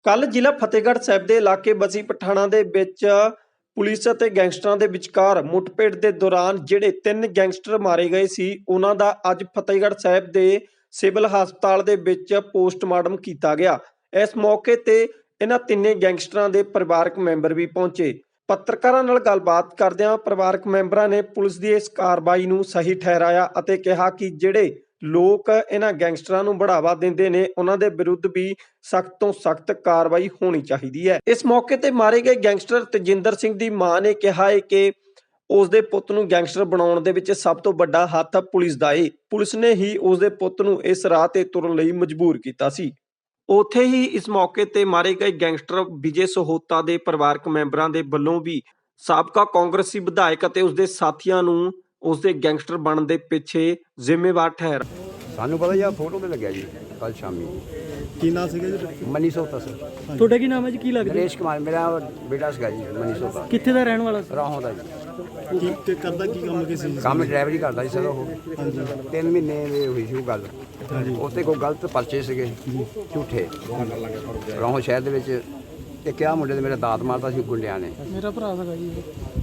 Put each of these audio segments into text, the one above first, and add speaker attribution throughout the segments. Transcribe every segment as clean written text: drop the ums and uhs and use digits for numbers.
Speaker 1: ਕੱਲ੍ਹ ਜ਼ਿਲ੍ਹਾ ਫਤਿਹਗੜ੍ਹ ਸਾਹਿਬ ਦੇ ਇਲਾਕੇ ਬਸੀ ਪਠਾਣਾਂ ਦੇ ਵਿੱਚ ਪੁਲਿਸ ਅਤੇ ਗੈਂਗਸਟਰਾਂ ਦੇ ਵਿਚਕਾਰ ਮੁੱਠਭੇੜ ਦੇ ਦੌਰਾਨ ਜਿਹੜੇ 3 ਗੈਂਗਸਟਰ ਮਾਰੇ ਗਏ ਸੀ ਉਹਨਾਂ ਦਾ ਅੱਜ ਫਤਿਹਗੜ੍ਹ ਸਾਹਿਬ ਦੇ ਸਿਵਲ ਹਸਪਤਾਲ ਦੇ ਵਿੱਚ ਪੋਸਟਮਾਰਟਮ ਕੀਤਾ ਗਿਆ। ਇਸ ਮੌਕੇ ਤੇ ਇਹਨਾਂ ਤਿੰਨੇ ਗੈਂਗਸਟਰਾਂ ਦੇ ਪਰਿਵਾਰਕ ਮੈਂਬਰ ਵੀ ਪਹੁੰਚੇ। ਪੱਤਰਕਾਰਾਂ ਨਾਲ ਗੱਲਬਾਤ ਕਰਦਿਆਂ ਪਰਿਵਾਰਕ ਮੈਂਬਰਾਂ ਨੇ ਪੁਲਿਸ ਦੀ ਇਸ ਕਾਰਵਾਈ ਨੂੰ ਸਹੀ ਠਹਿਰਾਇਆ ਅਤੇ ਕਿਹਾ ਕਿ ਜਿਹੜੇ ਲੋਕ ਇਹਨਾਂ ਗੈਂਗਸਟਰਾਂ ਨੂੰ बढ़ावा ਦਿੰਦੇ ਨੇ ਉਹਨਾਂ ਦੇ ਵਿਰੁੱਧ ਵੀ ਸਖਤ ਤੋਂ ਸਖਤ ਕਾਰਵਾਈ ਹੋਣੀ ਚਾਹੀਦੀ ਹੈ। ਇਸ ਮੌਕੇ ਤੇ ਮਾਰੇ ਗਏ ਗੈਂਗਸਟਰ ਤੇਜਿੰਦਰ ਸਿੰਘ ਦੀ ਮਾਂ ਨੇ ਕਿਹਾ ਹੈ ਕਿ ਉਸ ਦੇ ਪੁੱਤ ਨੂੰ ਗੈਂਗਸਟਰ ਬਣਾਉਣ ਦੇ ਵਿੱਚ ਸਭ ਤੋਂ ਵੱਡਾ ਹੱਥ ਪੁਲਿਸ ਦਾ ਹੈ। ਪੁਲਿਸ ਨੇ ਹੀ ਉਸ ਦੇ ਪੁੱਤ ਨੂੰ ਇਸ ਰਾਹ ਤੇ ਤੁਰਨ ਲਈ ਮਜਬੂਰ ਕੀਤਾ ਸੀ। ਉੱਥੇ ਹੀ ਇਸ ਮੌਕੇ ਤੇ ਮਾਰੇ ਗਏ ਗੈਂਗਸਟਰ ਵਿਜੇ ਸਹੋਤਾ ਦੇ ਪਰਿਵਾਰਕ ਮੈਂਬਰਾਂ ਦੇ ਵੱਲੋਂ ਵੀ ਸਾਬਕਾ ਕਾਂਗਰਸੀ ਵਿਧਾਇਕ ਅਤੇ ਉਸ ਦੇ ਸਾਥੀਆਂ ਨੂੰ ਉਸ ਦੇ ਗੈਂਗਸਟਰ ਬਣਨ ਦੇ ਪਿੱਛੇ ਜ਼ਿੰਮੇਵਾਰ ਠਹਿਰਾ।
Speaker 2: ਸਾਨੂੰ ਪਤਾ ਜੀ, ਫੋਟੋ ਤੇ ਲੱਗਿਆ ਜੀ ਕੱਲ ਸ਼ਾਮੀ।
Speaker 3: ਕੀ ਨਾਮ ਸੀਗਾ ਜੀ?
Speaker 2: ਮਨੀ ਸੋਤਾ ਸਰ।
Speaker 4: ਤੁਹਾਡਾ ਕੀ ਨਾਮ ਹੈ ਜੀ? ਕੀ ਲੱਗਦਾ?
Speaker 2: ਨਰੇਸ਼ ਕੁਮਾਰ ਮੇਰਾ ਬੇਟਾ ਸੀਗਾ ਜੀ। ਮਨੀ ਸੋਤਾ
Speaker 4: ਕਿੱਥੇ ਦਾ ਰਹਿਣ ਵਾਲਾ ਸੀ?
Speaker 2: ਰਾਹੋਂ ਦਾ ਜੀ।
Speaker 3: ਕੀ ਕਰਦਾ, ਕੀ ਕੰਮ ਕੀ ਸੀ?
Speaker 2: ਕੰਮ ਡਰਾਈਵਰੀ ਕਰਦਾ ਜੀ ਸਰ ਉਹ। 3 ਮਹੀਨੇ ਦੀ ਹੋਈ ਸੀ ਉਹ ਗੱਲ। ਉੱਥੇ ਕੋਈ ਗਲਤ ਪਰਚੇ ਸੀਗੇ ਝੂਠੇ ਰਾਹੋਂ ਸ਼ਹਿਰ ਦੇ ਵਿੱਚ। ਤੇ ਕਿਹਾ ਮੁੰਡੇ ਦੇ ਮੇਰੇ ਦਾਤ ਮਾਰਦਾ ਸੀ ਗੁੰਡਿਆਂ ਨੇ।
Speaker 4: ਮੇਰਾ ਭਰਾ ਸੀਗਾ ਜੀ।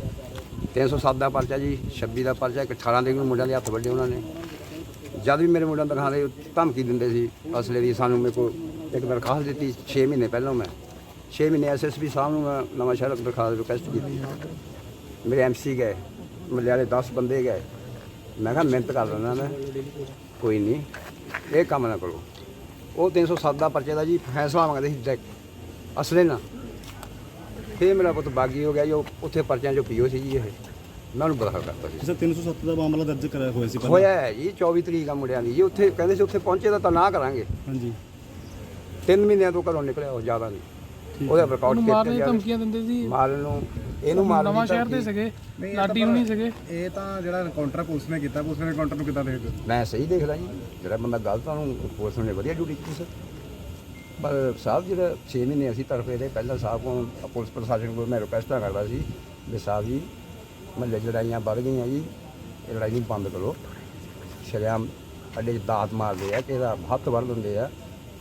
Speaker 2: 307 ਦਾ ਪਰਚਾ ਜੀ, 26 ਦਾ ਪਰਚਾ। ਇੱਕ 18 ਦੇ ਨੂੰ ਮੁੰਡਿਆਂ ਦੇ ਹੱਥ ਵੱਡੇ ਉਹਨਾਂ ਨੇ। ਜਦ ਵੀ ਮੇਰੇ ਮੁੰਡਿਆਂ ਨੂੰ ਦਿਖਾਉਂਦੇ ਧਮਕੀ ਦਿੰਦੇ ਸੀ ਅਸਲੇ ਦੀ। ਸਾਨੂੰ ਮੇਰੇ ਕੋਲ ਇੱਕ ਦਰਖਾਸਤ ਦਿੱਤੀ 6 ਮਹੀਨੇ ਪਹਿਲਾਂ। ਮੈਂ 6 ਮਹੀਨੇ SSP ਸਾਹਿਬ ਨੂੰ ਮੈਂ ਨਵਾਂ ਸ਼ਹਿਰ ਦਰਖਾਸਤ ਰਿਕੁਐਸਟ ਕੀਤੀ। ਮੇਰੇ MC ਗਏ, ਮੱਲੇ ਵਾਲੇ 10 ਬੰਦੇ ਗਏ। ਮੈਂ ਕਿਹਾ ਮਿਹਨਤ ਕਰ ਲੈਣਾ ਮੈਂ, ਕੋਈ ਨਹੀਂ ਇਹ ਕੰਮ ਨਾ ਕਰੋ। ਉਹ 307 ਦਾ ਪਰਚੇ ਦਾ ਜੀ ਫੈਸਲਾ ਮੰਗਦੇ ਸੀ ਡਾਇਰੈਕਟ ਅਸਲੇ ਨਾਲ। ਫਿਰ ਮੇਰਾ ਪੁੱਤ ਬਾਗੀ ਹੋ ਗਿਆ ਜੀ। ਉਹ ਉੱਥੇ ਪਰਚਿਆਂ 'ਚੋਂ PO ਸੀ ਜੀ। ਇਹ ਮੈਂ ਉਹਨੂੰ ਬਦਖਲ ਕਰਤਾ ਸੀ।
Speaker 3: ਸਰ 307 ਦਾ ਮਾਮਲਾ ਦਰਜ ਕਰਾਇਆ ਹੋਇਆ ਸੀ ਪਹਿਲਾਂ?
Speaker 2: ਹੋਇਆ ਹੈ ਜੀ 24 ਤਰੀਕ ਆ ਮੁੰਡਿਆਂ ਦੀ ਜੀ। ਉੱਥੇ ਕਹਿੰਦੇ ਸੀ ਉੱਥੇ ਪਹੁੰਚੇ ਤਾਂ ਨਾ ਕਰਾਂਗੇ।
Speaker 3: ਹਾਂਜੀ।
Speaker 2: 3 ਮਹੀਨਿਆਂ ਤੋਂ ਘਰੋਂ ਨਿਕਲਿਆ ਉਹ, ਜ਼ਿਆਦਾ ਨਹੀਂ। ਉਹਦਾ ਰਿਕਾਰਡ
Speaker 4: ਮਾਰਨ ਦੀਆਂ ਧਮਕੀਆਂ ਦਿੰਦੇ ਸੀ।
Speaker 2: ਮਾਰਨ ਨੂੰ ਇਹਨੂੰ ਮਾਰਨ
Speaker 4: ਨਵਾਂ ਸ਼ਹਿਰ ਦੇ ਸੀਗੇ, ਲਾਡੀ ਹੁਣੀ ਸੀਗੇ।
Speaker 3: ਇਹ ਤਾਂ ਜਿਹੜਾ ਐਨਕਾਊਂਟਰ ਪੁਲਿਸ ਨੇ ਕੀਤਾ, ਪੁਲਿਸ ਨੇ ਐਨਕਾਊਂਟਰ ਨੂੰ ਕਿੱਦਾਂ ਦੇਖਦੇ?
Speaker 2: ਮੈਂ ਸਹੀ ਦੇਖਦਾ ਜੀ। ਜਿਹੜਾ ਬੰਦਾ ਗਲਤ ਆ ਉਹਨੂੰ ਪੁਲਿਸ ਨੇ ਵਧੀਆ ਡਿਊਟੀ ਕੀਤੀ ਸਰ। ਪਰ ਸਾਹਿਬ ਜਿਹੜਾ 6 ਮਹੀਨੇ ਅਸੀਂ ਤਰਫੇ ਦੇ ਪਹਿਲਾਂ ਸਾਹਿਬ ਕੋਲ ਪੁਲਿਸ ਪ੍ਰਸ਼ਾਸਨ ਕੋਲ ਮੈਂ ਰਿਕੁਐਸਟਾਂ ਕਰਦਾ ਸੀ ਵੀ ਸਾਹਿਬ ਜੀ ਮਹੱਲੇ 'ਚ ਲੜਾਈਆਂ ਵੱਧ ਗਈਆਂ ਜੀ, ਇਹ ਲੜਾਈ ਨੂੰ ਬੰਦ ਕਰੋ। ਸ਼ਰੇਆਮ ਅੱਡੇ 'ਚ ਦਾਤ ਮਾਰਦੇ ਆ, ਕਿਸੇ ਦਾ ਹੱਥ ਵੱਢ ਦਿੰਦੇ ਆ।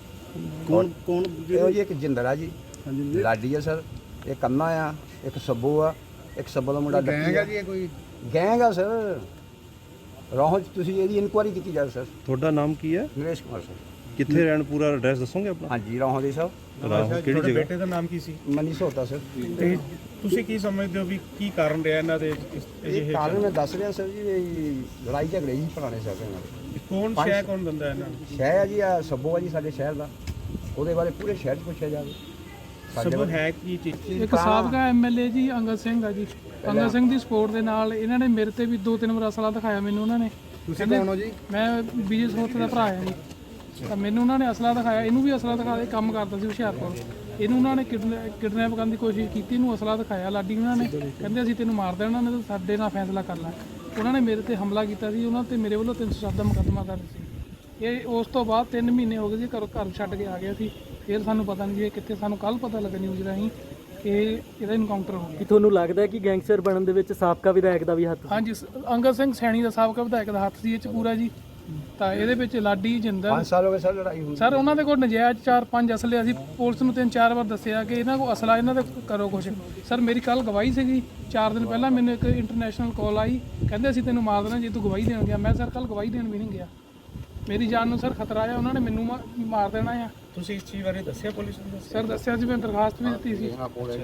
Speaker 3: ਕੌਣ
Speaker 2: ਇਹੋ ਜੀ ਇੱਕ ਜਿੰਦਰ ਆ ਜੀ, ਲਾਡੀ ਆ ਸਰ, ਇਹ ਕੰਨਾ ਆ, ਇੱਕ ਸੱਬੂ ਆ, ਇੱਕ ਸੱਬੂ ਦਾ ਮੁੰਡਾ
Speaker 3: ਗੈਂਗ ਆ ਜੀ? ਇਹ ਕੋਈ
Speaker 2: ਗੈਂਗ ਆ ਸਰ। ਰਾਹੋਂ 'ਚ ਤੁਸੀਂ ਇਹਦੀ ਇਨਕੁਆਇਰੀ ਕੀਤੀ ਜਾਵੇ ਸਰ।
Speaker 5: ਤੁਹਾਡਾ ਨਾਮ ਕੀ ਹੈ?
Speaker 2: ਨਰੇਸ਼ ਕੁਮਾਰ ਸਰ।
Speaker 5: ਕਿੱਥੇ ਰਹਿਣ, ਪੂਰਾ ਐਡਰੈਸ ਦੱਸੋਗੇ ਆਪਣਾ?
Speaker 2: ਹਾਂਜੀ ਰਾਹੋਂ ਦੇ ਸਰ।
Speaker 5: ਰਾਹੋਂ ਕਿਹੜੀ ਜਗ੍ਹਾ?
Speaker 3: ਬੇਟੇ ਦਾ ਨਾਮ ਕੀ ਸੀ?
Speaker 2: ਮਨੀ ਸੋਤਾ ਸਰ।
Speaker 3: ਤੇ ਤੁਸੀਂ ਕੀ ਸਮਝਦੇ ਹੋ ਵੀ ਕੀ ਕਾਰਨ ਰਿਹਾ ਇਹਨਾਂ ਦੇ
Speaker 2: ਇਹ ਕਾਰਨ ਮੈਂ ਦੱਸ ਰਿਹਾ ਸਰ ਜੀ, ਇਹ ਲੜਾਈ ਝਗੜੇ ਜੀ ਪੁਰਾਣੇ ਸਾਹਿਬ ਇਹਨਾਂ ਦੇ।
Speaker 3: ਕੌਣ ਸ਼ੈ ਕੌਣ ਦਿੰਦਾ ਇਹਨਾਂ ਨੂੰ?
Speaker 2: ਸ਼ਹਿਰ ਆ ਜੀ, ਆ ਸੱਬੂ ਆ ਜੀ ਸਾਡੇ ਸ਼ਹਿਰ ਦਾ। ਉਹਦੇ ਬਾਰੇ ਪੂਰੇ ਸ਼ਹਿਰ 'ਚ ਪੁੱਛਿਆ ਜਾਵੇ।
Speaker 3: ਸਭ ਹੈ ਕੀ ਚੀਜ਼?
Speaker 4: ਇੱਕ ਸਾਬਕਾ MLA ਜੀ ਅੰਗਦ ਸਿੰਘ ਆ ਜੀ। ਅੰਗਦ ਸਿੰਘ ਦੀ ਸਪੋਰਟ ਦੇ ਨਾਲ ਇਹਨਾਂ ਨੇ ਮੇਰੇ ਤੇ ਵੀ 2-3 ਵਾਰ ਅਸਲਾ ਦਿਖਾਇਆ ਮੈਨੂੰ। ਉਹਨਾਂ ਨੇ।
Speaker 3: ਤੁਸੀਂ ਕੌਣ ਹੋ ਜੀ?
Speaker 4: ਮੈਂ ਵਿਜੇ ਸਹੋਤਾ ਦਾ ਭਰਾ ਆ ਜੀ। ਤਾਂ ਮੈਨੂੰ ਉਹਨਾਂ ਨੇ ਅਸਲਾ ਦਿਖਾਇਆ, ਇਹਨੂੰ ਵੀ ਅਸਲਾ ਦਿਖਾ ਦੇ। ਕੰਮ ਕਰਦਾ ਸੀ ਹੁਸ਼ਿਆਰਪੁਰ। ਇਹਨੂੰ ਉਹਨਾਂ ਨੇ ਕਿਡਨੈਪ ਕਰਨ ਦੀ ਕੋਸ਼ਿਸ਼ ਕੀਤੀ, ਇਹਨੂੰ ਅਸਲਾ ਦਿਖਾਇਆ ਲਾਡੀ ਉਹਨਾਂ ਨੇ। ਕਹਿੰਦੇ ਅਸੀਂ ਤੈਨੂੰ ਮਾਰ ਦੇਣਾ, ਨਹੀਂ ਤਾਂ ਸਾਡੇ ਨਾਲ ਫੈਸਲਾ ਕਰ ਲੈ। ਉਹਨਾਂ ਨੇ ਮੇਰੇ ਤੇ ਹਮਲਾ ਕੀਤਾ ਸੀ। ਉਹਨਾਂ ਤੇ ਮੇਰੇ ਵੱਲੋਂ 307 ਦਾ ਮੁਕੱਦਮਾ ਦਰਜ ਸੀ। ਇਹ ਉਸ ਤੋਂ ਬਾਅਦ 3 ਮਹੀਨੇ ਹੋ ਗਏ ਸੀ ਘਰ ਛੱਡ ਕੇ ਆ ਗਿਆ ਸੀ। ਫਿਰ ਸਾਨੂੰ ਪਤਾ ਨਹੀਂ ਜੀ ਕਿੱਥੇ। ਸਾਨੂੰ ਕੱਲ ਪਤਾ ਲੱਗਾ ਨਿਊਜ਼ ਰਾਹੀਂ ਕਿ ਇਹਦਾ ਇਨਕਾਊਂਟਰ ਹੋ ਗਿਆ।
Speaker 6: ਤੁਹਾਨੂੰ ਲੱਗਦਾ ਹੈ ਕਿ ਗੈਂਗਸਟਰ ਬਣਨ ਦੇ ਵਿੱਚ ਸਾਬਕਾ ਵਿਧਾਇਕ ਦਾ ਵੀ ਹੱਥ ਸੀ?
Speaker 4: ਹਾਂਜੀ, ਅੰਗਦ ਸਿੰਘ ਸੈਣੀ ਦਾ ਸਾਬਕਾ ਵਿਧਾਇਕ ਦਾ ਹੱਥ ਸੀ ਇਹ 'ਚ ਪੂਰਾ ਜੀ। ਤਾਂ ਇਹਦੇ ਵਿੱਚ ਲਾਡੀ, ਜਿੰਦਰ
Speaker 2: 5 ਸਾਲ ਹੋ ਗਏ ਸਰ ਲੜਾਈ ਹੋਈ।
Speaker 4: ਸਰ ਉਹਨਾਂ ਦੇ ਕੋਲ ਨਜਾਇਜ਼ 4-5 ਅਸਲੇ। ਅਸੀਂ ਪੁਲਿਸ ਨੂੰ 3-4 ਵਾਰ ਦੱਸਿਆ ਕਿ ਇਹਨਾਂ ਕੋਲ ਅਸਲਾ, ਇਹਨਾਂ ਦੇ ਕਰੋ ਕੁਛ। ਸਰ ਮੇਰੀ ਕੱਲ ਗਵਾਹੀ ਸੀਗੀ। 4 ਦਿਨ ਪਹਿਲਾਂ ਮੈਨੂੰ ਇੱਕ ਇੰਟਰਨੈਸ਼ਨਲ ਕਾਲ ਆਈ, ਕਹਿੰਦੇ ਅਸੀਂ ਤੈਨੂੰ ਮਾਰ ਦੇਣਾ ਜੇ ਤੂੰ ਗਵਾਹੀ ਦੇਣ ਗਿਆ। ਮੈਂ ਸਰ ਕੱਲ ਗਵਾਹੀ ਦੇਣ ਵੀ ਨਹੀਂ ਗਿਆ। ਮੇਰੀ ਜਾਨ ਨੂੰ ਸਰ ਖਤਰਾ ਆ। ਉਹਨਾਂ ਨੇ ਮੈਨੂੰ ਮਾਰ ਦੇਣਾ ਆ।
Speaker 3: ਤੁਸੀਂ ਇਸ ਚੀਜ਼ ਬਾਰੇ ਦੱਸਿਆ ਪੁਲਿਸ ਨੂੰ?
Speaker 4: ਸਰ ਦੱਸਿਆ ਸੀ, ਮੈਂ ਦਰਖਾਸਤ ਵੀ ਦਿੱਤੀ ਸੀ।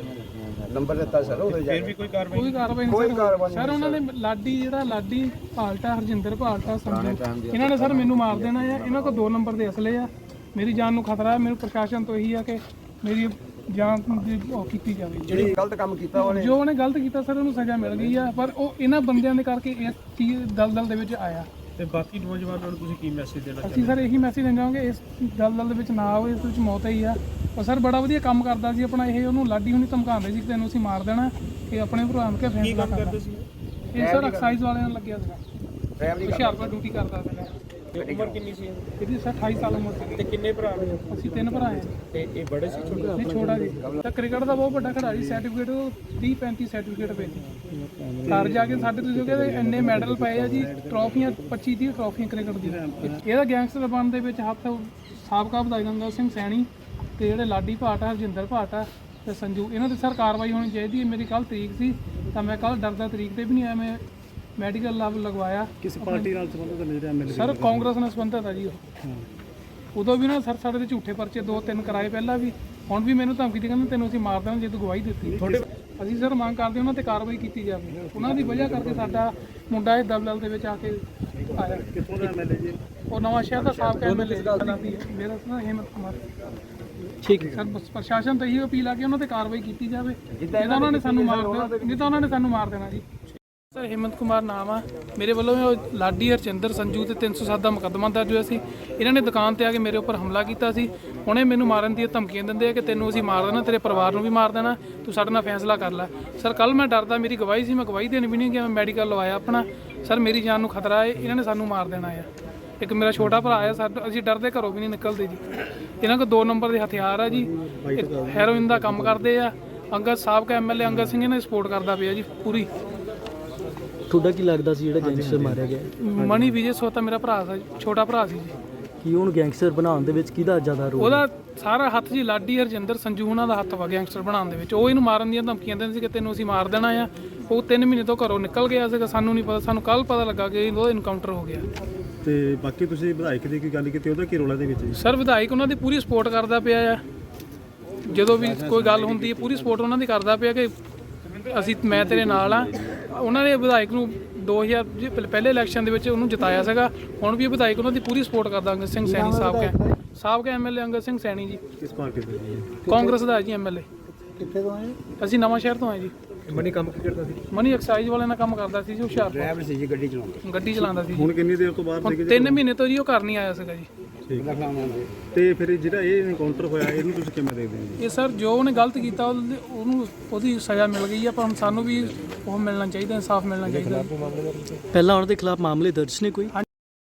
Speaker 2: ਨੰਬਰ ਦਿੱਤਾ ਸਰ ਉਹਦੇ ਜਾ
Speaker 3: ਫਿਰ ਵੀ ਕੋਈ ਕਾਰਵਾਈ?
Speaker 4: ਕੋਈ ਕਾਰਵਾਈ ਨਹੀਂ ਸਰ। ਉਹਨਾਂ ਨੇ ਲਾਡੀ, ਜਿਹੜਾ ਲਾਡੀ ਭਾਲਟਾ, ਹਰਜਿੰਦਰ ਭਾਲਟਾ, ਸੰਜੂ, ਇਹਨਾਂ ਨੇ ਸਰ ਮੈਨੂੰ ਮਾਰ ਦੇਣਾ ਆ। ਇਹਨਾਂ ਕੋਲ 2 ਨੰਬਰ ਦੇ ਅਸਲੇ ਆ। ਮੇਰੀ ਜਾਨ ਨੂੰ ਖਤਰਾ ਹੈ। ਮੈਨੂੰ ਪ੍ਰਸ਼ਾਸਨ ਤੋਂ ਇਹੀ ਆ ਕਿ ਮੇਰੀ ਜਾਨ ਦੀ ਉਹ ਕੀਤੀ ਜਾਵੇ।
Speaker 2: ਜਿਹੜੀ ਗਲਤ ਕੰਮ ਕੀਤਾ ਉਹਨੇ,
Speaker 4: ਜੋ ਉਹਨੇ ਗਲਤ ਕੀਤਾ ਸਰ ਉਹਨੂੰ ਸਜ਼ਾ ਮਿਲ ਗਈ ਆ। ਪਰ ਉਹ ਇਹਨਾਂ ਬੰਦਿਆਂ ਦੇ ਕਰਕੇ ਇਸ ਚੀਜ਼ ਦਲਦਲ ਦੇ ਵਿੱਚ ਆਇਆ।
Speaker 3: ਤੇ ਬਾਕੀ ਨੌਜਵਾਨਾਂ ਨੂੰ ਤੁਸੀਂ ਕੀ ਮੈਸੇਜ ਦੇਣਾ
Speaker 4: ਅਸੀਂ ਸਰ ਇਹੀ ਮੈਸੇਜ ਦੇਣਾ ਚਾਹਾਂਗੇ ਇਸ ਦਲਦਲ ਦੇ ਵਿੱਚ ਨਾ ਆਓ। ਇਸ ਵਿੱਚ ਮੌਤ ਹੀ ਆ। ਪਰ ਸਰ ਬੜਾ ਵਧੀਆ ਕੰਮ ਕਰਦਾ ਸੀ ਆਪਣਾ ਇਹ। ਉਹਨੂੰ ਲਾਡੀ ਹੁਣੀ ਧਮਕਾਉਂਦੇ ਸੀ ਕਿ ਤੈਨੂੰ ਅਸੀਂ ਮਾਰ ਦੇਣਾ, ਕਿ ਆਪਣੇ ਭਰਾ ਨੂੰ ਕਿ ਫੈਸਲਾ ਕਰਨਾ। ਇਹ ਸਰ ਐਕਸਾਈਜ਼ ਵਾਲਿਆਂ ਨਾਲ ਲੱਗਿਆ ਸੀਗਾ। ਹੁਸ਼ਿਆਰਪੁਰ ਡਿਊਟੀ ਕਰਦਾ ਸੀਗਾ।
Speaker 3: ਉਮਰ ਕਿੰਨੀ ਸੀ
Speaker 4: ਇਹਦੀ ਸਰ 28 ਸਾਲ ਉਮਰ ਸੀ।
Speaker 3: ਤੇ ਕਿੰਨੇ ਭਰਾ ਨੇ?
Speaker 4: ਅਸੀਂ 3 ਭਰਾ ਹਾਂ।
Speaker 3: ਤੇ ਇਹ ਬੜੇ ਸੀ ਛੋਟੇ?
Speaker 4: ਨਹੀਂ, ਛੋਟਾ ਜੀ। ਤਾਂ ਕ੍ਰਿਕਟ ਦਾ ਬਹੁਤ ਵੱਡਾ ਖਿਡਾਰੀ। ਸਰਟੀਫਿਕੇਟ 30-35 ਸਰਟੀਫਿਕੇਟ ਪਏ। ਘਰ ਜਾ ਕੇ ਸਾਡੇ ਤੁਸੀਂ ਕਹਿੰਦੇ ਇੰਨੇ ਮੈਡਲ ਪਏ ਆ ਜੀ। ਟਰੋਫੀਆਂ 25-30 ਟਰੋਫੀਆਂ ਕ੍ਰਿਕਟ ਦੀਆਂ। ਇਹਦਾ ਗੈਂਗਸਟਰ ਬਣਨ ਦੇ ਵਿੱਚ ਹੱਥ ਸਾਬਕਾ ਵਿਧਾਇਕ ਅੰਗਦ ਸਿੰਘ ਸੈਣੀ ਤੇ ਜਿਹੜੇ ਲਾਡੀ ਭਾਟ ਆ, ਹਰਜਿੰਦਰ ਭਾਟ ਆ ਤੇ ਸੰਜੂ, ਇਹਨਾਂ ਤੇ ਸਰ ਕਾਰਵਾਈ ਹੋਣੀ ਚਾਹੀਦੀ ਹੈ। ਮੇਰੀ ਕੱਲ ਤਰੀਕ ਸੀ ਤਾਂ ਮੈਂ ਕੱਲ ਡਰਦਾ ਤਰੀਕ ਤੇ ਵੀ ਨਹੀਂ ਆਇਆ, ਮੈਂ ਮੈਡੀਕਲ ਲਾਭ ਲਗਵਾਇਆ।
Speaker 3: ਕਿਸ ਪਾਰਟੀ ਨਾਲ ਸੰਬੰਧਿਤ ਨੇ ਜਿਹੜੇ MLA?
Speaker 4: ਸਰ ਕਾਂਗਰਸ ਨਾਲ ਸੰਬੰਧਿਤ ਆ ਜੀ ਉਹ। ਉਦੋਂ ਵੀ ਨਾ ਸਰ ਸਾਡੇ ਤੇ ਝੂਠੇ ਪਰਚੇ 2-3 ਕਰਾਏ ਪਹਿਲਾਂ ਵੀ, ਹੁਣ ਵੀ ਮੈਨੂੰ ਧਮਕੀ ਦੇ ਕਹਿੰਦੇ ਤੈਨੂੰ ਅਸੀਂ ਮਾਰ ਦੇਣਾ ਜੇ ਤੂੰ ਗਵਾਹੀ ਦਿੱਤੀ। ਅਸੀਂ ਸਰ ਮੰਗ ਕਰਦੇ ਉਹਨਾਂ ਤੇ ਕਾਰਵਾਈ ਕੀਤੀ ਜਾਵੇ। ਉਹਨਾਂ ਦੀ ਵਜ੍ਹਾ ਕਰਕੇ ਸਾਡਾ ਮੁੰਡਾ ਇਹ ਦਬਦਲ ਦੇ ਵਿੱਚ ਆ ਕੇ ਆਇਆ।
Speaker 3: ਕਿੱਥੋਂ ਦਾ MLA ਜੀ?
Speaker 4: ਉਹ ਨਵਾਂ ਸ਼ਹਿਰ ਦਾ ਸਾਬਕਾ MLA ਮੇਰਾ ਨਾਂ ਹਿੰਮਤ ਕੁਮਾਰ।
Speaker 6: ਠੀਕ ਹੈ
Speaker 4: ਸਰ ਬਸ ਪ੍ਰਸ਼ਾਸਨ ਤੋਂ ਇਹੀ ਅਪੀਲ ਆ ਕਿ ਉਹਨਾਂ ਤੇ ਕਾਰਵਾਈ ਕੀਤੀ ਜਾਵੇ, ਨਹੀਂ ਤਾਂ ਉਹਨਾਂ ਨੇ ਸਾਨੂੰ ਮਾਰ ਦੇਣਾ ਜੀ। ਸਰ ਹਿੰਮਤ ਕੁਮਾਰ ਨਾਮ ਆ ਮੇਰੇ ਵੱਲੋਂ। ਉਹ ਲਾਡੀ, ਹਰਜਿੰਦਰ, ਸੰਜੂ ਤੇ 307 ਦਾ ਮੁਕੱਦਮਾ ਦਰਜ ਹੋਇਆ ਸੀ। ਇਹਨਾਂ ਨੇ ਦੁਕਾਨ ਤੇ ਆ ਕੇ ਮੇਰੇ ਉੱਪਰ ਹਮਲਾ ਕੀਤਾ ਸੀ। ਹੁਣੇ ਮੈਨੂੰ ਮਾਰਨ ਦੀਆਂ ਧਮਕੀਆਂ ਦਿੰਦੇ ਆ ਕਿ ਤੈਨੂੰ ਅਸੀਂ ਮਾਰ ਦੇਣਾ, ਤੇਰੇ ਪਰਿਵਾਰ ਨੂੰ ਵੀ ਮਾਰ ਦੇਣਾ, ਤੂੰ ਸਾਡੇ ਨਾਲ ਫੈਸਲਾ ਕਰ ਲੈ। ਸਰ ਕੱਲ ਮੈਂ ਡਰਦਾ, ਮੇਰੀ ਗਵਾਹੀ ਸੀ, ਮੈਂ ਗਵਾਹੀ ਦੇਣ ਵੀ ਨਹੀਂ ਗਿਆ, ਮੈਂ ਮੈਡੀਕਲ ਲਵਾਇਆ ਆਪਣਾ। ਸਰ ਮੇਰੀ ਜਾਨ ਨੂੰ ਖਤਰਾ ਹੈ, ਇਹਨਾਂ ਨੇ ਸਾਨੂੰ ਮਾਰ ਦੇਣਾ ਆ। ਇੱਕ ਮੇਰਾ ਛੋਟਾ ਭਰਾ ਆ, ਸਾਡਾ ਅਸੀਂ ਡਰਦੇ ਘਰੋਂ ਵੀ ਨਹੀਂ ਨਿਕਲਦੇ ਜੀ। ਇਹਨਾਂ ਕੋਲ 2 ਨੰਬਰ ਦੇ ਹਥਿਆਰ ਆ ਜੀ, ਹੈਰੋਇਨ ਦਾ ਕੰਮ ਕਰਦੇ ਆ। ਅੰਗਦ ਸਾਬਕਾ MLA ਅੰਗਦ ਸਿੰਘ ਇਹਨਾਂ ਦੀ ਸਪੋਰਟ ਕਰਦਾ ਪਿਆ ਜੀ ਪੂਰੀ।
Speaker 6: ਤੁਹਾਡਾ ਕੀ ਲੱਗਦਾ ਸੀ ਜਿਹੜਾ ਗੈਂਗਸਟਰ ਮਾਰਿਆ ਗਿਆ?
Speaker 4: ਮਣੀ ਵਿਜੇ ਸੋਤਾ ਮੇਰਾ ਭਰਾ ਸੀ, ਛੋਟਾ ਭਰਾ ਸੀ ਜੀ।
Speaker 6: ਕੀ ਉਹਨੂੰ ਗੈਂਗਸਟਰ ਬਣਾਉਣ ਦੇ ਵਿੱਚ ਕਿਹਦਾ ਜ਼ਿਆਦਾ ਰੋਲ?
Speaker 4: ਉਹਦਾ ਸਾਰਾ ਹੱਥ ਜੀ, ਲਾਡੀ, ਹਰਜਿੰਦਰ, ਸੰਜੂ ਉਹਨਾਂ ਦਾ ਹੱਥ ਵਾ ਗੈਂਗਸਟਰ ਬਣਾਉਣ ਦੇ ਵਿੱਚ। ਉਹ ਇਹਨੂੰ ਮਾਰਨ ਦੀਆਂ ਧਮਕੀਆਂ ਦਿੰਦੇ ਸੀ ਕਿ ਤੈਨੂੰ ਅਸੀਂ ਮਾਰ ਦੇਣਾ ਆ। ਉਹ 3 ਮਹੀਨੇ ਤੋਂ ਘਰੋਂ ਨਿਕਲ ਗਿਆ ਸੀਗਾ, ਸਾਨੂੰ ਨਹੀਂ ਪਤਾ। ਸਾਨੂੰ ਕੱਲ ਪਤਾ ਲੱਗਾ ਕਿ ਉਹਦਾ ਇਨਕਾਊਂਟਰ ਹੋ ਗਿਆ।
Speaker 3: ਤੇ ਬਾਕੀ ਤੁਸੀਂ ਵਿਧਾਇਕ ਦੀ ਕੀ ਗੱਲ ਕੀਤੀ, ਉਹਦਾ ਕੀ ਰੋਲ ਹੈ ਦੇ ਵਿੱਚ ਜੀ?
Speaker 4: ਸਰ ਵਿਧਾਇਕ ਉਹਨਾਂ ਦੀ ਪੂਰੀ ਸਪੋਰਟ ਕਰਦਾ ਪਿਆ ਆ। ਜਦੋਂ ਵੀ ਕੋਈ ਗੱਲ ਹੁੰਦੀ ਹੈ ਪੂਰੀ ਸਪੋਰਟ ਉਹਨਾਂ ਦੀ ਕਰਦਾ ਪਿਆ ਕਿ ਮੈਂ ਤੇਰੇ ਨਾਲ ਆ। ਉਹਨਾਂ ਨੇ ਵਿਧਾਇਕ ਨੂੰ 2000 ਪਹਿਲੇ ਇਲੈਕਸ਼ਨ ਦੇ ਵਿੱਚ ਉਹਨੂੰ ਜਿਤਾਇਆ ਸੀਗਾ। ਹੁਣ ਵੀ ਵਿਧਾਇਕ ਉਹਨਾਂ ਦੀ ਪੂਰੀ ਸਪੋਰਟ ਕਰਦਾ। ਅੰਗਦ ਸਿੰਘ ਸੈਣੀ ਸਾਬਕਾ MLA ਅੰਗਦ ਸਿੰਘ ਸੈਣੀ ਜੀ,
Speaker 3: ਕਿਸ ਪਾਰਟੀ ਦੇ?
Speaker 4: ਕਾਂਗਰਸ ਦਾ ਜੀ MLA।
Speaker 6: ਕਿੱਥੇ ਤੋਂ ਆਏ?
Speaker 4: ਅਸੀਂ ਨਵਾਂ ਸ਼ਹਿਰ ਤੋਂ ਆਏ ਜੀ।
Speaker 3: ਮਨੀ ਕੰਮ ਕੀ ਕਰਦਾ ਸੀ?
Speaker 4: ਮਨੀ ਐਕਸਾਈਜ਼ ਵਾਲੇ ਨਾਲ ਕੰਮ ਕਰਦਾ ਸੀ ਜੀ, ਹੁਸ਼ਿਆਰਪੁਰ
Speaker 2: ਡਰਾਈਵਰ ਸੀ ਜੀ, ਗੱਡੀ ਚਲਾਉਂਦਾ
Speaker 4: ਸੀ।
Speaker 3: ਹੁਣ ਕਿੰਨੀ ਦੇਰ ਤੋਂ ਬਾਹਰ
Speaker 4: ਹੁਣ
Speaker 3: ਸੀਗੇ?
Speaker 4: 3 ਮਹੀਨੇ ਤੋਂ ਜੀ ਉਹ ਘਰ ਨਹੀਂ ਆਇਆ ਸੀਗਾ ਜੀ।
Speaker 3: ਤੇ ਫਿਰ ਜਿਹੜਾ ਇਹ ਐਨਕਾਊਂਟਰ ਹੋਇਆ, ਇਹਨੂੰ ਤੁਸੀਂ ਕਿਵੇਂ ਦੇਖਦੇ ਹੋ ਜੀ?
Speaker 4: ਇਹ ਸਰ ਜੋ ਉਹਨੇ ਗਲਤ ਕੀਤਾ ਉਹਨੂੰ ਉਹਦੀ ਸਜ਼ਾ ਮਿਲ ਗਈ ਆ, ਪਰ ਹੁਣ ਸਾਨੂੰ ਵੀ ਉਹ ਮਿਲਣਾ ਚਾਹੀਦਾ, ਇਨਸਾਫ ਮਿਲਣਾ ਚਾਹੀਦਾ।
Speaker 6: ਪਹਿਲਾਂ ਉਹਨਾਂ ਦੇ ਖਿਲਾਫ ਮਾਮਲੇ ਦਰਜ ਨੇ ਕੋਈ?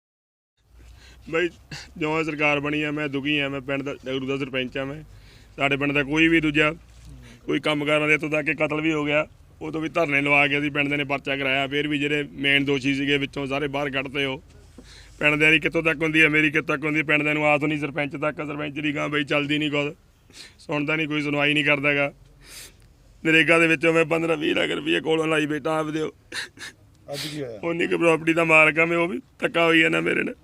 Speaker 7: ਬਈ ਜਿਉਂ ਸਰਕਾਰ ਬਣੀ ਆ, ਮੈਂ ਦੁਖੀ ਆ। ਮੈਂ ਪਿੰਡ ਦਾ ਡਗਰੂ ਦਾ ਸਰਪੰਚ ਆ। ਮੈਂ ਸਾਡੇ ਪਿੰਡ ਦਾ ਕੋਈ ਵੀ ਦੂਜਾ ਕੋਈ ਕੰਮ ਕਰਨ ਦੇ, ਇੱਥੋਂ ਤੱਕ ਕਿ ਕਤਲ ਵੀ ਹੋ ਗਿਆ, ਉਦੋਂ ਵੀ ਧਰਨੇ ਲਵਾ ਕੇ ਅਸੀਂ ਪਿੰਡ ਦੇ ਨੇ ਪਰਚਾ ਕਰਾਇਆ। ਫਿਰ ਵੀ ਜਿਹੜੇ ਮੇਨ ਦੋਸ਼ੀ ਸੀਗੇ ਵਿੱਚੋਂ ਸਾਰੇ ਬਾਹਰ ਕੱਢਤੇ। ਉਹ ਪਿੰਡ ਦੇ ਦੀ ਕਿੱਥੋਂ ਤੱਕ ਹੁੰਦੀ ਹੈ, ਮੇਰੀ ਕਿੱਥੋਂ ਤੱਕ ਹੁੰਦੀ, ਪਿੰਡ ਦੇ ਨੂੰ ਆਸ ਨਹੀਂ ਸਰਪੰਚ ਤੱਕ। ਸਰਪੰਚ ਦੀ ਗਾਂ ਬਈ ਚੱਲਦੀ ਨਹੀਂ, ਕੁਝ ਸੁਣਦਾ ਨਹੀਂ, ਕੋਈ ਸੁਣਵਾਈ ਨਹੀਂ ਕਰਦਾ ਗਾ। ਨਰੇਗਾ ਦੇ ਵਿੱਚੋਂ ਮੈਂ 15-20 ਲੱਖ ਰੁਪਏ ਕੋਲੋਂ ਲਾਈ ਬੈਠਾ ਆਪਦੇ।
Speaker 8: ਅੱਜ ਕੀ ਹੋਇਆ?
Speaker 7: ਉਨੀ ਕੁ ਪ੍ਰਾਪਰਟੀ ਦਾ ਮਾਲਕ ਆ ਮੈਂ, ਉਹ ਵੀ ਧੱਕਾ ਹੋਈ ਹੈ ਨਾ ਮੇਰੇ ਨਾਲ।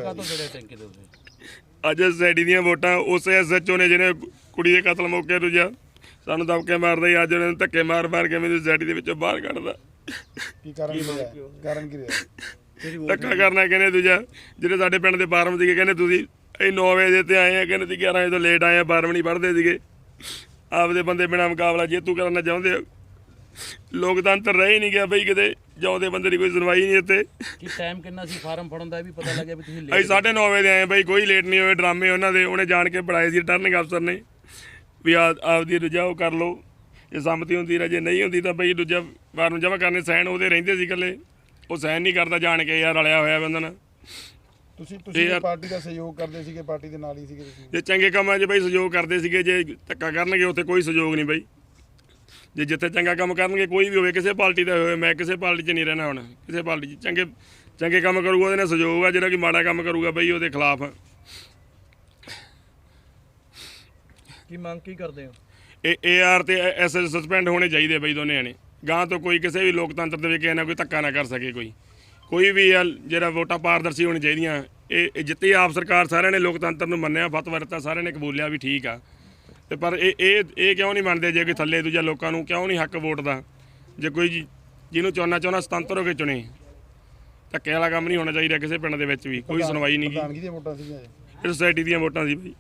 Speaker 7: ਅੱਜ ਸੋਸਾਇਟੀ ਦੀਆਂ ਵੋਟਾਂ ਉਸੇ SHO ਨੇ ਜਿਹਨੇ ਕੁੜੀ ਦੇ ਕਤਲ ਮੌਕੇ ਦੂਜਾ ਸਾਨੂੰ ਦਬਕੇ ਮਾਰਦਾ ਹੀ, ਅੱਜ ਉਹਨਾਂ ਨੂੰ ਧੱਕੇ ਮਾਰ ਕੇ ਮੈਨੂੰ ਸੋਸਾਇਟੀ ਦੇ ਵਿੱਚੋਂ ਬਾਹਰ ਕੱਢਦਾ।
Speaker 8: ਕੀ ਕਾਰਨ ਰਿਹਾ? ਕਾਰਨ ਕੀ ਰਿਹਾ?
Speaker 7: ਧੱਕਾ ਕਰਨਾ ਕਹਿੰਦੇ ਦੂਜਾ। ਜਿਹੜੇ ਸਾਡੇ ਪਿੰਡ ਦੇ ਫਾਰਮ ਸੀਗੇ ਕਹਿੰਦੇ ਤੁਸੀਂ ਇਹ 9 ਵਜੇ ਤੇ ਆਏ ਆ, ਕਹਿੰਦੇ ਤੁਸੀਂ 11 ਵਜੇ ਤੋਂ ਲੇਟ ਆਏ ਆ, 12 ਨਹੀਂ ਪੜ੍ਹਦੇ ਸੀਗੇ। ਆਪਦੇ ਬੰਦੇ ਬਿਨਾਂ ਮੁਕਾਬਲਾ ਜੇਤੂ ਕਰਨਾ ਚਾਹੁੰਦੇ ਆ। ਲੋਕਤੰਤਰ ਰਹਿ ਹੀ ਨਹੀਂ ਗਿਆ ਬਈ, ਕਿਤੇ ਜਿਉਂਦੇ ਬੰਦੇ ਦੀ ਕੋਈ ਸੁਣਵਾਈ ਨਹੀਂ ਇੱਥੇ।
Speaker 9: ਕੀ ਟਾਈਮ ਕਿੰਨਾ ਸੀ ਫਾਰਮ ਫੜਨ ਦਾ, ਵੀ ਪਤਾ ਲੱਗਿਆ ਵੀ ਤੁਸੀਂ
Speaker 7: ਅਸੀਂ 9:30 ਵਜੇ ਦੇ ਆਏ ਬਈ, ਕੋਈ ਲੇਟ ਨਹੀਂ ਹੋਏ। ਡਰਾਮੇ ਉਹਨਾਂ ਦੇ ਉਹਨੇ ਜਾਣ ਕੇ ਪੜਾਏ ਸੀ ਰਿਟਰਨਿੰਗ ਅਫਸਰ ਨੇ ਵੀ ਆਪਦੀ ਦੂਜਾ ਉਹ ਕਰ ਲਓ, ਜੇ ਸੰਮਤੀ ਹੁੰਦੀ ਜੇ ਨਹੀਂ ਹੁੰਦੀ ਤਾਂ ਬਈ ਦੂਜਾ ਫਾਰਮ ਜਮ੍ਹਾਂ ਕਰਨੇ ਸਾਈਨ ਉਹਦੇ ਰਹਿੰਦੇ ਸੀ ਇਕੱਲੇ। ਉਹ ਸਾਈਨ ਨਹੀਂ ਕਰਦਾ ਜਾਣ ਕੇ, ਯਾਰ ਰਲਿਆ ਹੋਇਆ ਬੰਦਾ ਨਾ।
Speaker 8: ਤੁਸੀਂ ਪਾਰਟੀ ਦਾ ਸਹਿਯੋਗ ਕਰਦੇ ਸੀਗੇ, ਪਾਰਟੀ ਦੇ ਨਾਲ ਹੀ ਸੀਗੇ ਤੁਸੀਂ?
Speaker 7: ਜੇ ਚੰਗੇ ਕੰਮਾਂ 'ਚ ਬਈ ਸਹਿਯੋਗ ਕਰਦੇ ਸੀਗੇ, ਜੇ ਧੱਕਾ ਕਰਨਗੇ ਉੱਥੇ ਕੋਈ ਸਹਿਯੋਗ ਨਹੀਂ ਬਈ। ਜੇ ਜਿੱਥੇ ਚੰਗਾ ਕੰਮ ਕਰਨਗੇ, ਕੋਈ ਵੀ ਹੋਵੇ, ਕਿਸੇ ਪਾਰਟੀ ਦਾ ਹੋਵੇ, ਮੈਂ ਕਿਸੇ ਪਾਰਟੀ 'ਚ ਨਹੀਂ ਰਹਿਣਾ। ਹੁਣ ਕਿਸੇ ਪਾਰਟੀ 'ਚ ਚੰਗੇ ਕੰਮ ਕਰੂਗਾ ਉਹਦੇ ਨਾਲ ਸਹਿਯੋਗ ਆ, ਜਿਹੜਾ ਕਿ ਮਾੜਾ ਕੰਮ ਕਰੂਗਾ ਬਈ ਉਹਦੇ ਖਿਲਾਫ।
Speaker 9: ਕੀ ਮੰਗ ਕੀ ਕਰਦੇ ਹੋ?
Speaker 7: ਇਹ AR ਤੇ SS ਸਸਪੈਂਡ ਹੋਣੇ ਚਾਹੀਦੇ ਬਈ ਦੋਨੇ ਨੇ। ਗਾਂ ਤੋਂ ਕੋਈ ਕਿਸੇ ਵੀ ਲੋਕਤੰਤਰ ਦੇ ਵਿੱਚ ਕਿਸੇ ਨਾਲ ਕੋਈ ਧੱਕਾ ਨਾ ਕਰ ਸਕੇ। ਕੋਈ ਵੀ ਜਿਹੜਾ ਵੋਟਾਂ ਪਾਰਦਰਸ਼ੀ ਹੋਣੀ ਚਾਹੀਦੀਆਂ। ਇਹ ਜਿੱਤੀ ਆਪ ਸਰਕਾਰ ਸਾਰਿਆਂ ਨੇ ਲੋਕਤੰਤਰ ਨੂੰ ਮੰਨਿਆ, ਫਤਵਾ ਦਿੱਤਾ, ਸਾਰਿਆਂ ਨੇ ਕਬੂਲਿਆ ਵੀ ਠੀਕ ਆ। ਤੇ ਪਰ ਇਹ ਕਿਉਂ ਨਹੀਂ ਮੰਨਦੇ? ਜੇ ਕੋਈ ਥੱਲੇ ਦੂਜਾ ਲੋਕਾਂ ਨੂੰ ਕਿਉਂ ਨਹੀਂ ਹੱਕ ਵੋਟ ਦਾ? ਜੇ ਕੋਈ ਜਿਹਨੂੰ ਚਾਹੁੰਦਾ ਸੁਤੰਤਰ ਹੋ ਕੇ ਚੁਣੇ। ਧੱਕੇ ਵਾਲਾ ਕੰਮ ਨਹੀਂ ਹੋਣਾ ਚਾਹੀਦਾ ਕਿਸੇ ਪਿੰਡ ਦੇ ਵਿੱਚ ਵੀ। ਕੋਈ ਸੁਣਵਾਈ ਨਹੀਂ
Speaker 8: ਪ੍ਰਧਾਨਗੀ ਦੀਆਂ ਵੋਟਾਂ ਸੀਗੀਆਂ
Speaker 7: ਇਹ ਸੋਸਾਇਟੀ ਦੀਆਂ ਵੋਟਾਂ ਸੀ ਬਈ।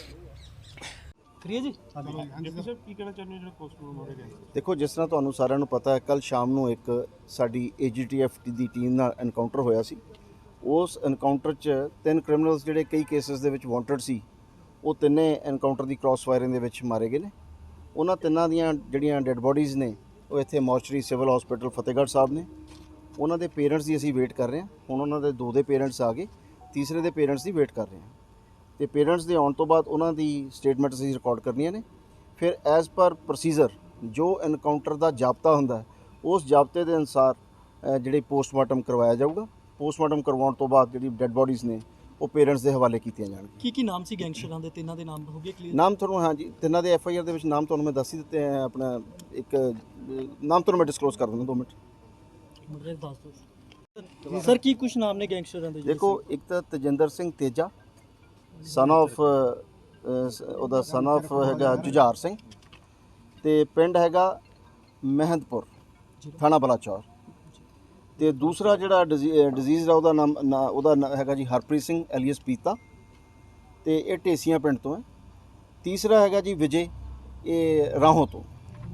Speaker 10: ਦੇਖੋ, ਜਿਸ ਤਰ੍ਹਾਂ ਤੁਹਾਨੂੰ ਸਾਰਿਆਂ ਨੂੰ ਪਤਾ ਹੈ, ਕੱਲ ਸ਼ਾਮ ਨੂੰ ਇੱਕ ਸਾਡੀ AGTF ਦੀ ਟੀਮ ਨਾਲ ਐਨਕਾਊਂਟਰ ਹੋਇਆ ਸੀ। ਉਸ ਐਨਕਾਊਂਟਰ 'ਚ 3 ਕ੍ਰਿਮੀਨਲਸ ਜਿਹੜੇ ਕਈ ਕੇਸਿਸ ਦੇ ਵਿੱਚ ਵਾਂਟਡ ਸੀ, ਉਹ ਤਿੰਨੇ ਐਨਕਾਊਂਟਰ ਦੀ ਕ੍ਰਾਸ ਫਾਇਰਿੰਗ ਦੇ ਵਿੱਚ ਮਾਰੇ ਗਏ ਨੇ। ਉਹਨਾਂ ਤਿੰਨਾਂ ਦੀਆਂ ਜਿਹੜੀਆਂ ਡੈੱਡ ਬੋਡੀਜ਼ ਨੇ ਉਹ ਇੱਥੇ mortuary civil hospital Fatehgarh Sahib ਨੇ। ਉਹਨਾਂ ਦੇ ਪੇਰੈਂਟਸ ਦੀ ਅਸੀਂ ਵੇਟ ਕਰ ਰਹੇ ਹਾਂ। ਹੁਣ ਉਹਨਾਂ ਦੇ 2 ਦੇ ਪੇਰੈਂਟਸ ਆ ਗਏ, ਤੀਸਰੇ ਦੇ ਪੇਰੈਂਟਸ ਦੀ ਵੇਟ ਕਰ ਰਹੇ ਹਾਂ। ਤੇ ਪੇਰੈਂਟਸ ਦੇ ਆਉਣ ਤੋਂ ਬਾਅਦ ਉਹਨਾਂ ਦੀ ਸਟੇਟਮੈਂਟ ਅਸੀਂ ਰਿਕਾਰਡ ਕਰਨੀਆਂ ਨੇ। ਫਿਰ ਐਜ਼ ਪਰ ਪ੍ਰੋਸੀਜਰ ਜੋ ਐਨਕਾਊਂਟਰ ਦਾ ਜਾਬਤਾ ਹੁੰਦਾ ਹੈ, ਉਸ ਜਾਬਤੇ ਦੇ ਅਨੁਸਾਰ ਜਿਹੜੀ ਪੋਸਟਮਾਰਟਮ ਕਰਵਾਇਆ ਜਾਊਗਾ। ਪੋਸਟਮਾਰਟਮ ਕਰਵਾਉਣ ਤੋਂ ਬਾਅਦ ਜਿਹੜੀ ਡੈੱਡ ਬੋਡੀਜ਼ ਨੇ ਉਹ ਪੇਰੈਂਟਸ ਦੇ ਹਵਾਲੇ ਕੀਤੀਆਂ ਜਾਣਗੀਆਂ।
Speaker 6: ਕੀ ਨਾਮ ਸੀ ਗੈਂਗਸਟਰਾਂ ਦੇ? ਤਿੰਨਾਂ ਦੇ ਨਾਮ ਹੋ ਗਏ ਕਲੀਅਰ?
Speaker 10: ਨਾਮ ਤੁਹਾਨੂੰ ਹਾਂਜੀ ਤਿੰਨਾਂ ਦੇ ਐਫ ਆਈ ਆਰ ਦੇ ਵਿੱਚ ਨਾਮ ਤੁਹਾਨੂੰ ਮੈਂ ਦੱਸ ਹੀ ਦਿੱਤੇ ਹੈ। ਆਪਣਾ ਇੱਕ ਨਾਮ ਤੁਹਾਨੂੰ ਮੈਂ ਡਿਸਕਲੋਜ਼ ਕਰ ਦਿੰਦਾ 2 ਮਿੰਟ।
Speaker 6: ਮੁੰਡੇ ਦੱਸ ਦਿਓ ਸਰ ਕੀ ਕੁਝ ਨਾਮ ਨੇ ਗੈਂਗਸਟਰਾਂ ਦੇ?
Speaker 10: ਦੇਖੋ ਇੱਕ ਤਾਂ ਤੇਜਿੰਦਰ ਸਿੰਘ ਤੇਜਾ ਸਨ ਆਫ ਉਹਦਾ ਸਨ ਆਫ ਹੈਗਾ ਜੁਝਾਰ ਸਿੰਘ ਤੇ ਪਿੰਡ ਹੈਗਾ ਮਹਿੰਦਪੁਰ ਥਾਣਾ ਬਲਾਚੌਰ। ਤੇ ਦੂਸਰਾ ਜਿਹੜਾ ਡਿਜ਼ੀਜ਼ ਦਾ ਉਹਦਾ ਨਾਮ ਹੈਗਾ ਜੀ ਹਰਪ੍ਰੀਤ ਸਿੰਘ ਐਲੀਅਸ ਪੀਤਾ ਤੇ ਇਹ ਢੇਸੀਆਂ ਪਿੰਡ ਤੋਂ ਹੈ। ਤੀਸਰਾ ਹੈਗਾ ਜੀ ਵਿਜੇ, ਇਹ ਰਾਹੋਂ ਤੋਂ।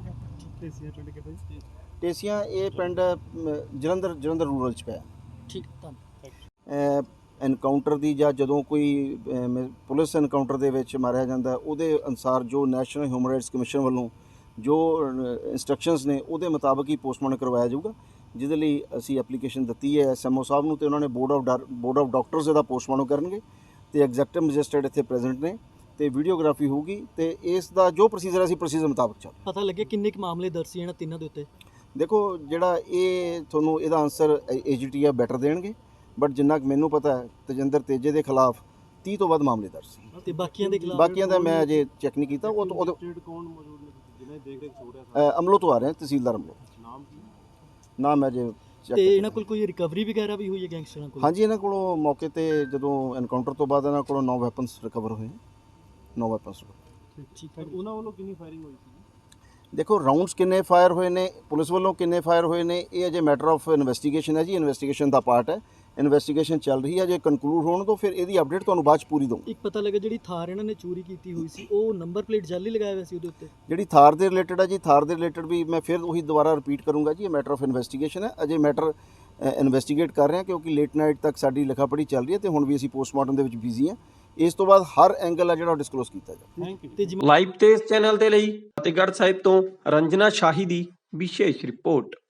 Speaker 10: ਢੇਸੀਆਂ ਇਹ ਪਿੰਡ ਜਲੰਧਰ ਰੂਰਲ ਚ ਪਿਆ।
Speaker 6: ਠੀਕ ਧੰਨਵਾਦ।
Speaker 10: ਐਨਕਾਊਂਟਰ ਦੀ ਜਾਂ ਜਦੋਂ ਕੋਈ ਪੁਲਿਸ ਐਨਕਾਊਂਟਰ ਦੇ ਵਿੱਚ ਮਾਰਿਆ ਜਾਂਦਾ ਉਹਦੇ ਅਨੁਸਾਰ ਜੋ ਨੈਸ਼ਨਲ ਹਿਊਮਨ ਰਾਈਟਸ ਕਮਿਸ਼ਨ ਵੱਲੋਂ ਜੋ ਇੰਸਟਰਕਸ਼ਨਸ ਨੇ ਉਹਦੇ ਮੁਤਾਬਕ ਹੀ ਪੋਸਟਮਾਰਟਮ ਕਰਵਾਇਆ ਜਾਊਗਾ, ਜਿਹਦੇ ਲਈ ਅਸੀਂ ਐਪਲੀਕੇਸ਼ਨ ਦਿੱਤੀ ਹੈ ਐਸਐਮਓ ਸਾਹਿਬ ਨੂੰ ਤੇ ਉਹਨਾਂ ਨੇ ਬੋਰਡ ਆਫ ਡਾਕਟਰਸ ਇਹਦਾ ਪੋਸਟਮਾਰਟਮ ਕਰਨਗੇ ਤੇ ਐਗਜ਼ੈਕਟਿਵ ਮੈਜਿਸਟਰੇਟ ਇੱਥੇ ਪ੍ਰੈਜ਼ੈਂਟ ਨੇ ਤੇ ਵੀਡੀਓਗ੍ਰਾਫੀ ਹੋਊਗੀ ਤੇ ਇਸ ਦਾ ਜੋ ਪ੍ਰੋਸੀਜਰ ਅਸੀਂ ਪ੍ਰੋਸੀਜਰ ਮੁਤਾਬਕ ਚੱਲ।
Speaker 6: ਪਤਾ ਲੱਗਿਆ ਕਿੰਨੇ ਕੁ ਮਾਮਲੇ ਦਰਜ ਸੀ ਇਹਨਾਂ ਤਿੰਨਾਂ ਦੇ ਉੱਤੇ?
Speaker 10: ਦੇਖੋ ਜਿਹੜਾ ਇਹ ਤੁਹਾਨੂੰ ਇਹਦਾ ਆਨਸਰ ਏਜੀਟੀਆ ਬੈਟਰ ਦੇਣਗੇ, ਬਟ ਜਿੰਨਾ ਕੁ ਮੈਨੂੰ ਪਤਾ ਹੈ ਤੇਜਿੰਦਰ ਤੇਜੇ ਦੇ ਖਿਲਾਫ 30 ਤੋਂ ਵੱਧ ਮਾਮਲੇ ਦਰਜ ਸੀ
Speaker 6: ਤੇ ਬਾਕੀਆਂ ਦੇ ਖਿਲਾਫ?
Speaker 10: ਬਾਕੀਆਂ ਦਾ ਮੈਂ ਅਜੇ ਚੈੱਕ ਨਹੀਂ ਕੀਤਾ। ਉਹ ਅਮਲੋਂ ਤੋਂ ਆ ਰਹੇ ਤਹਿਸੀਲਦਾਰ ਅਮਲੋਂ। ਨਾਮ ਅਜੇ
Speaker 6: ਤੇ ਇਹਨਾਂ ਕੋਲ ਕੋਈ ਰਿਕਵਰੀ ਵਗੈਰਾ ਵੀ ਹੋਈ ਹੈ ਗੈਂਗਸਟਰਾਂ ਕੋਲ?
Speaker 10: ਹਾਂਜੀ ਇਹਨਾਂ ਕੋਲੋਂ ਮੌਕੇ ਤੇ ਜਦੋਂ ਐਨਕਾਊਂਟਰ ਤੋਂ ਬਾਅਦ ਇਹਨਾਂ ਕੋਲੋਂ 9 ਵੈਪਨਸ ਰਿਕਵਰ ਹੋਏ 9 ਵੈਪਨਸ।
Speaker 6: ਠੀਕ ਹੈ।
Speaker 3: ਉਹਨਾਂ ਵੱਲੋਂ ਕਿੰਨੀ ਫਾਇਰਿੰਗ ਹੋਈ ਸੀ?
Speaker 10: ਦੇਖੋ ਰਾਉਂਡਸ ਕਿੰਨੇ ਫਾਇਰ ਹੋਏ ਨੇ, ਪੁਲਿਸ ਵੱਲੋਂ ਕਿੰਨੇ ਫਾਇਰ ਹੋਏ ਨੇ, ਇਹ ਅਜੇ ਮੈਟਰ ਆਫ ਇਨਵੈਸਟੀਗੇਸ਼ਨ ਹੈ ਜੀ। ਇਨਵੈਸਟੀਗੇਸ਼ਨ ਦਾ ਪਾਰਟ ਹੈ, ਇਨਵੈਸਟੀਗੇਸ਼ਨ ਚੱਲ ਰਹੀ ਹੈ। ਜੇ ਕਨਕਲੂਡ ਹੋਣ ਤੋਂ ਫਿਰ ਇਹਦੀ ਅਪਡੇਟ ਤੁਹਾਨੂੰ ਬਾਅਦ ਚ ਪੂਰੀ ਦਊਂਗਾ।
Speaker 6: ਇੱਕ ਪਤਾ ਲੱਗਾ ਜਿਹੜੀ ਥਾਰ ਇਹਨਾਂ ਨੇ ਚੋਰੀ ਕੀਤੀ ਹੋਈ ਸੀ ਉਹ ਨੰਬਰ ਪਲੇਟ ਜਾਲੀ ਲਗਾਇਆ ਹੋਇਆ ਸੀ ਉਹਦੇ ਉੱਤੇ?
Speaker 10: ਜਿਹੜੀ ਥਾਰ ਦੇ ਰਿਲੇਟਡ ਹੈ ਜੀ, ਥਾਰ ਦੇ ਰਿਲੇਟਡ ਵੀ ਮੈਂ ਫਿਰ ਉਹੀ ਦੁਬਾਰਾ ਰਿਪੀਟ ਕਰੂੰਗਾ ਜੀ, ਇਹ ਮੈਟਰ ਆਫ ਇਨਵੈਸਟੀਗੇਸ਼ਨ ਹੈ। ਅਜੇ ਮੈਟਰ ਇਨਵੈਸਟੀਗੇਟ ਕਰ ਰਹੇ ਹਾਂ ਕਿਉਂਕਿ ਲੇਟ ਨਾਈਟ ਤੱਕ ਸਾਡੀ ਲਿਖਾ ਪੜ੍ਹੀ ਚੱਲ ਰਹੀ ਹੈ ਤੇ ਹੁਣ ਵੀ ਅਸੀਂ ਪੋਸਟਮਾਰਟਮ ਦੇ ਵਿੱਚ ਬਿਜ਼ੀ ਹਾਂ। ਇਸ ਤੋਂ ਬਾਅਦ ਹਰ ਐਂਗਲ ਆ ਜਿਹੜਾ ਡਿਸਕਲੋਜ਼ ਕੀਤਾ ਜਾਵੇ।
Speaker 1: ਲਾਈਵ ਤੇ ਇਸ ਚੈਨਲ ਦੇ ਲਈ ਫਤਿਹਗੜ੍ਹ ਸਾਹਿਬ ਤੋਂ ਰੰਜਨਾ ਸ਼ਾਹੀ ਦੀ ਵਿਸ਼ੇਸ਼ ਰਿਪੋਰਟ।